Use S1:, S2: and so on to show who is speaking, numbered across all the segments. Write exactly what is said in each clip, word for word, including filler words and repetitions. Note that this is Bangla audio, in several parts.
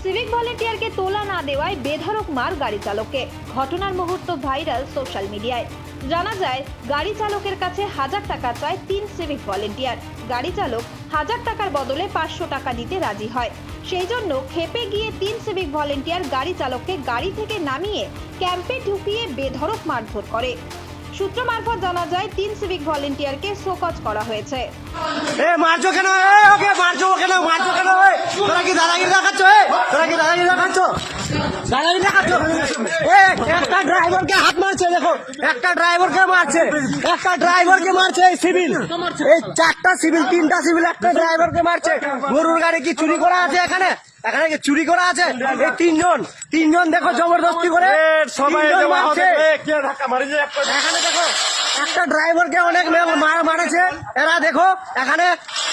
S1: সিভিক ভলেন্টিয়ারকে তোলা না দেওয়ায় বেধড়ক মার গাড়ি চালককে। ঘটনার মুহূর্ত ভাইরাল সোশ্যাল মিডিয়ায়। জানা যায় গাড়ি চালকের কাছে হাজার টাকা চায় তিন সিভিক ভলেন্টিয়ার। গাড়ি চালক হাজার টাকার বদলে পাঁচশো টাকা দিতে রাজি হয়। সেই জন্য ক্ষেপে গিয়ে তিন সিভিক ভলেন্টিয়ার গাড়ি চালককে গাড়ি থেকে নামিয়ে ক্যাম্পে ঢুকিয়ে বেধড়ক মারধর করে। সূত্র মারফত জানা যায় তিন সিভিক ভলেন্টিয়ারকে শোকজ করা হয়েছে।
S2: এ মারছো কেন? এ ওকে মারছো কেন? মারছো কেন? এ তোরা কি দাদাগিরি দেখাচ্ছ? এ তোরা কি দাদাগিরি দেখাচ্ছ? দাদাগিরি দেখাচ্ছ? এ একটা ড্রাইভারকে হাত মারছে, দেখো একটা ড্রাইভারকে মারছে, একটা ড্রাইভারকে মারছে এই সিভিল, এই চারটা সিভিল, তিনটা সিভিল একটা ড্রাইভারকে মারছে। গরুর গাড়ি কি চুরি করা আছে এখানে? এখানে কি চুরি করা আছে? এই তিনজন তিনজন দেখো জবরদস্তি করে সবাই মারছে। এখানে দেখো একটা ড্রাইভারকে অনেক মারেছে এরা, দেখো এখানে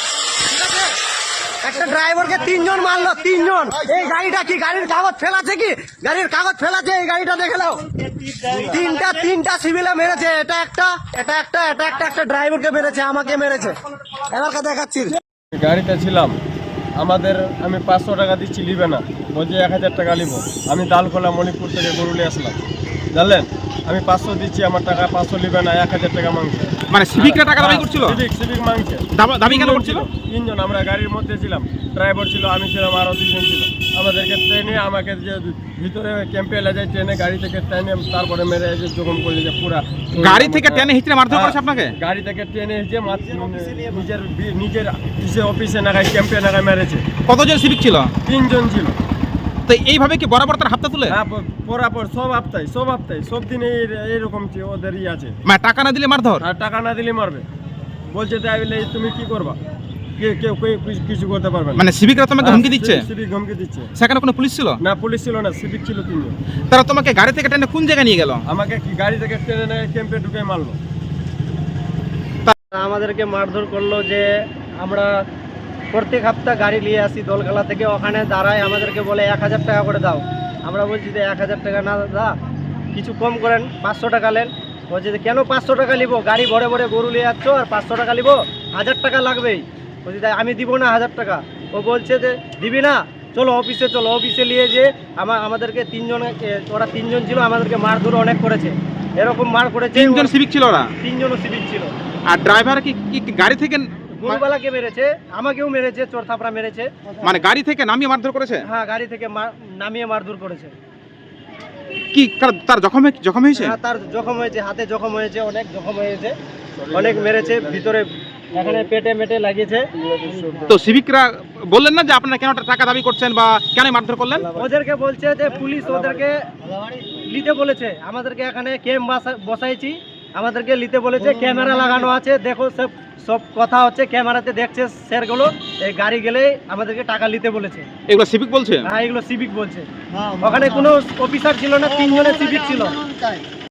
S2: একটা ড্রাইভারকে তিনজন মারলো, তিনজন। এই গাড়িটা কি গাড়ির কাগজ ফেলাছে? কি গাড়ির কাগজ ফেলাছে? এই গাড়িটা দেখে নাও, তিনটা তিনটা সিভিলে মেরেছে। এটা একটা, এটা একটা, এটা একটা, একটা ড্রাইভারকে মেরেছে, আমাকে মেরেছে। এবার কথা দেখাচ্ছি।
S3: গাড়িতে ছিলাম, আমাদের আমি পাঁচশো টাকা দিচ্ছি, নিবে না, বলছি এক হাজার টাকা নিব। আমি দালখোলা মণিপুর থেকে গরুলে আসলাম, জানলেন, আমি পাঁচশো দিচ্ছি, আমার টাকা পাঁচশো নিবে না, এক হাজার টাকা মাংসে।
S4: মানে সিভিকরা টাকা দাবি করছিল?
S3: সিভিক সিভিক মাংসে
S4: দাবি কেন করছিল?
S3: তিনজন, আমরা গাড়ির মধ্যে ছিলাম, ড্রাইভার ছিল, আমি ছিলাম, আরও দুজন ছিল। আমাদেরকে ট্রেনে আমাকে যে ভিতরে ক্যাম্পে এলে যায়, ট্রেনে গাড়ি থেকে ট্রেনে তারপরে মেরে এসে যখন করলে যে পুরা
S4: গাড়ি থেকে ট্রেনে হিচড়ে মারধর করেছে আপনাকে?
S3: গাড়ি থেকে ট্রেনে এসে নিজের নিজের নিজের অফিসে নাগায় ক্যাম্পে নাগায় মেরেছে।
S4: কতজন সিভিক ছিল?
S3: তিনজন ছিল।
S4: তো এইভাবে কি বরাবর তার হাতটা তুলে?
S3: হ্যাঁ, পরাপর সব হপ্তায় সব হপ্তায় সব দিনে এইরকম ওদেরই আছে।
S4: মানে টাকা না দিলে মারধর?
S3: আর টাকা না দিলে মারবে, বলছে তাই বলে তুমি কি করবা, কেউ কিছু করতে পারবে না।
S4: মানে সিভিকরা তোমাকে হুমকি দিচ্ছে?
S3: সিভিক হুমকি দিচ্ছে।
S4: সেখানে কোনো পুলিশ ছিল
S3: না? পুলিশ ছিল না, সিভিক ছিল তিনজন।
S4: তারা তোমাকে গাড়ি থেকে টেনে কোন জায়গায় নিয়ে গেল?
S3: আমাকে কি গাড়ি থেকে ট্রেনে ক্যাম্পে ঢুকে মারলো।
S2: আমাদেরকে মারধর করলো যে আমরা প্রত্যেক সপ্তাহ গাড়ি নিয়ে আসি দোলখালা থেকে, ওখানে দাঁড়ায় আমাদেরকে বলে এক হাজার টাকা করে দাও। আমরা বলছি যে এক হাজার টাকা না দা, কিছু কম করেন, পাঁচশো টাকা নেন। বলছে যে কেন পাঁচশো টাকা নিবো, গাড়ি ভরে ভরে গরু নিয়ে যাচ্ছ আর পাঁচশো টাকা নিবো, হাজার টাকা লাগবেই। বলছি তাই আমি দিব না হাজার টাকা। ও বলছে যে দিবি না, চলো অফিসে চলো। অফিসে নিয়ে যে আমার আমাদেরকে তিনজন, ওরা তিনজন ছিল, আমাদেরকে মারধর অনেক করেছে, এরকম মার করেছে।
S4: তিনজন সিভিক ছিল ওরা?
S2: তিনজনও সিভিক ছিল।
S4: আর ড্রাইভার কি কি গাড়ি থেকে?
S2: গরুবালাকে মেরেছে, আমাকেও মেরেছে, চোর থাপড়া মেরেছে।
S4: মানে গাড়ি থেকে নামিয়ে মারধর করেছে?
S2: হ্যাঁ, গাড়ি থেকে নামিয়ে মারধর করেছে।
S4: কি তার জখম জখম হয়েছে?
S2: হ্যাঁ, তার জখম হয়েছে, হাতে জখম হয়েছে, অনেক জখম হয়েছে, অনেক মেরেছে, ভিতরে এখানে পেটে মেটে লাগিয়েছে।
S4: তো সিভিকরা বললেন না যে আপনারা কেন টাকা দাবি করছেন বা কেন মারধর করলেন?
S2: ওদেরকে বলছে যে পুলিশ ওদেরকে নিতে বলেছে, আমাদেরকে এখানে ক্যাম্প বসাইছি, আমাদেরকে নিতে বলেছে, ক্যামেরা লাগানো আছে, দেখো সব সব কথা হচ্ছে, ক্যামেরাতে দেখছে স্যারগুলো। এই গাড়ি গেলে আমাদেরকে টাকা নিতে বলেছে।
S4: এগুলো সিভিক বলছে?
S2: হ্যাঁ, এগুলো সিভিক বলছে। ওখানে কোনো অফিসার ছিল না, তিনজনের সিভিক ছিল।